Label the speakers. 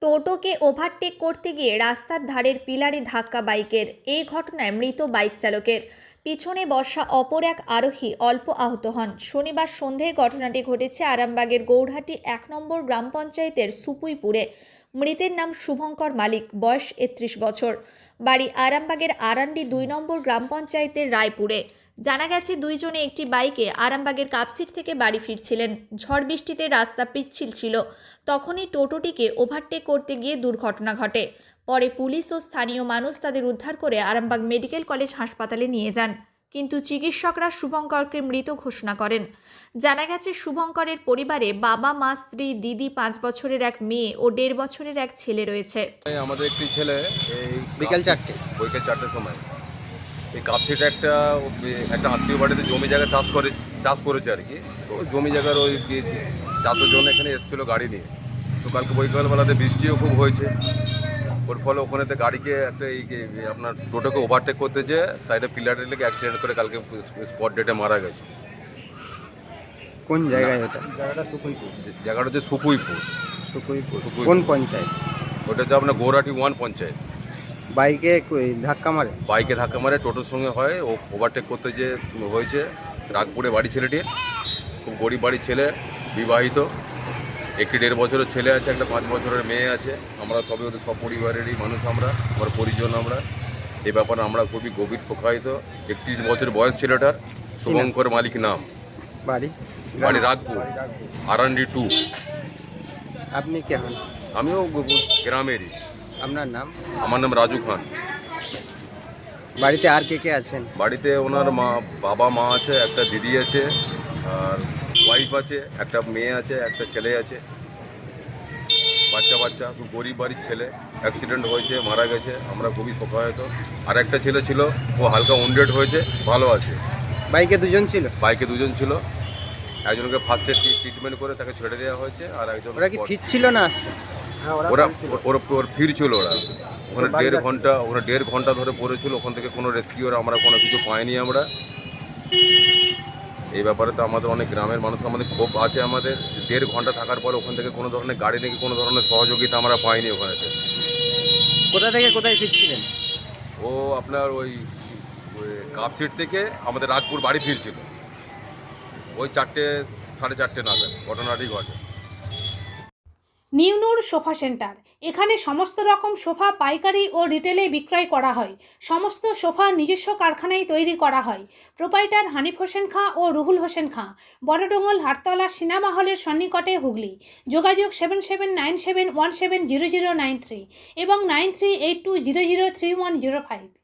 Speaker 1: টোটোকে overtake করতে গিয়ে রাস্তার ধারের পিলারে ধাক্কা বাইকের। এই ঘটনায় মৃত বাইক চালকের। পিছনে বসা অপর এক আরোহী অল্প আহত হন। শনিবার সন্ধ্যায় ঘটনাটি ঘটেছে আরামবাগের গৌরহাটি 1 নম্বর গ্রাম পঞ্চায়েতের সুপুইপুরে। মৃতের নাম শুভঙ্কর মালিক, বয়স 31 বছর। বাড়ি আরামবাগের আরান্ডি 2 নম্বর গ্রাম পঞ্চায়েতের রায়পুরে। জানা গেছে দুইজনে একটি বাইকে আরামবাগের কাপসিট থেকে বাড়ি ফিরছিলেন। ঝড় বৃষ্টিতে রাস্তা পিচ্ছিল ছিল। তখনই টোটোটিকে ওভারটেক করতে গিয়ে দুর্ঘটনা ঘটে। পরে পুলিশ ও স্থানীয় মানুষ তাদের উদ্ধার করে আরামবাগ মেডিকেল কলেজ হাসপাতালে নিয়ে যান, কিন্তু চিকিৎসকরা শুভঙ্করকে মৃত ঘোষণা করেন। জানা গেছে শুভঙ্করের পরিবারে বাবা, মা, স্ত্রী, দিদি, 5 বছরের এক মেয়ে ও 1.5 বছরের এক ছেলে রয়েছে।
Speaker 2: আমাদের একটি ছেলে এই
Speaker 3: বিকেল 4টের
Speaker 2: সময় এই কাপসিটা একটা আত্মীয় বাড়িতে জমি জায়গা চাষ করেছে আর কি। তো জমি জায়গার ওই চাষের জন্য এখানে এসেছিল গাড়ি নিয়ে। তো কালকে বৈকালবেলাতে বৃষ্টিও খুব হয়েছে, ওর ফলে ওখানেতে গাড়িকে একটা আপনার টোটোকে ওভারটেক করতে যেয়ে সাইডে পিলারের লেগে অ্যাক্সিডেন্ট করে কালকে স্পট ডেটে মারা গেছে।
Speaker 3: কোন জায়গায় এটা?
Speaker 2: জায়গাটা হচ্ছে সুপুইপুর।
Speaker 3: কোন পঞ্চায়েত?
Speaker 2: ওটা হচ্ছে আপনার গৌরহাটি 1 পঞ্চায়েত।
Speaker 3: বাইকে ধাক্কা মারে?
Speaker 2: টোটোর সঙ্গে হয়, ও ওভারটেক করতে যে হয়েছে। রাগপুরে বাড়ি ছেলেটির, খুব গরিব বাড়ির ছেলে, বিবাহিত। একটি 1.5 বছরের ছেলে আছে, একটা 5 বছরের মেয়ে আছে। আমরা সবই ওদের সব পরিবারেরই মানুষ, আমার পরিজন। আমরা এই ব্যাপারে আমরা খুবই গভীর শোকাহত। 31 বছর বয়স ছেলেটার, শুভঙ্কর মালিক নাম।
Speaker 3: বাড়ি
Speaker 2: রাগপুর, আরান্ডি 2।
Speaker 3: আপনি কে হন?
Speaker 2: আমিও গ্রামেরই।
Speaker 3: আপনার নাম?
Speaker 2: আমার নাম রাজু খান।
Speaker 3: বাড়িতে আর কে আছেন?
Speaker 2: বাড়িতে ওনার বাবা মা আছে, একটা দিদি আছে, আর ওয়াইফ আছে, একটা মেয়ে আছে, একটা ছেলে আছে, বাচ্চা। খুব গরিব বাড়ির ছেলে, অ্যাক্সিডেন্ট হয়েছে, মারা গেছে। আমরা খুবই শোকাহত। আর একটা ছেলে ছিল, ও হালকা উন্ডেড হয়েছে, ভালো আছে।
Speaker 3: বাইকে দুজন ছিল?
Speaker 2: একজনকে ফার্স্ট এড ট্রিটমেন্ট করে তাকে ছেড়ে দেওয়া হয়েছে, আর একজন
Speaker 3: ওরা কি ফিরছিল না?
Speaker 2: ওরা ফিরছিল। ওখানে 1.5 ঘন্টা ধরে পড়েছিল। ওখান থেকে কোনো রেস্কিউর আমরা কোনো কিছু পাইনি। আমরা এই ব্যাপারে তো আমাদের অনেক গ্রামের মানুষ আমাদের ক্ষোভ আছে। আমাদের 1.5 ঘন্টা থাকার পর ওখান থেকে কোনো ধরনের গাড়ি নাকি কোনো ধরনের সহযোগিতা আমরা পাইনি ওখানেতে।
Speaker 3: কোথা থেকে কোথায় ফিরছিলেন?
Speaker 2: ও আপনার ওই কাপসিট থেকে আমাদের রাগপুর বাড়ি ফিরছিল। ওই 4টে, 4:30 নাগাদ ঘটনাটি ঘটে।
Speaker 4: নিউনুর সোফা সেন্টার। এখানে সমস্ত রকম সোফা পাইকারি ও রিটেলে বিক্রয় করা হয়। সমস্ত সোফা নিজস্ব কারখানায় তৈরি করা হয়। প্রোপাইটার হানিফ হোসেন খাঁ ও রুহুল হোসেন খাঁ, বড়ডোঙ্গল, হাটতলা, সিনেমা হলের সন্নিকটে, হুগলি। যোগাযোগ 7797170093 এবং 9382003105।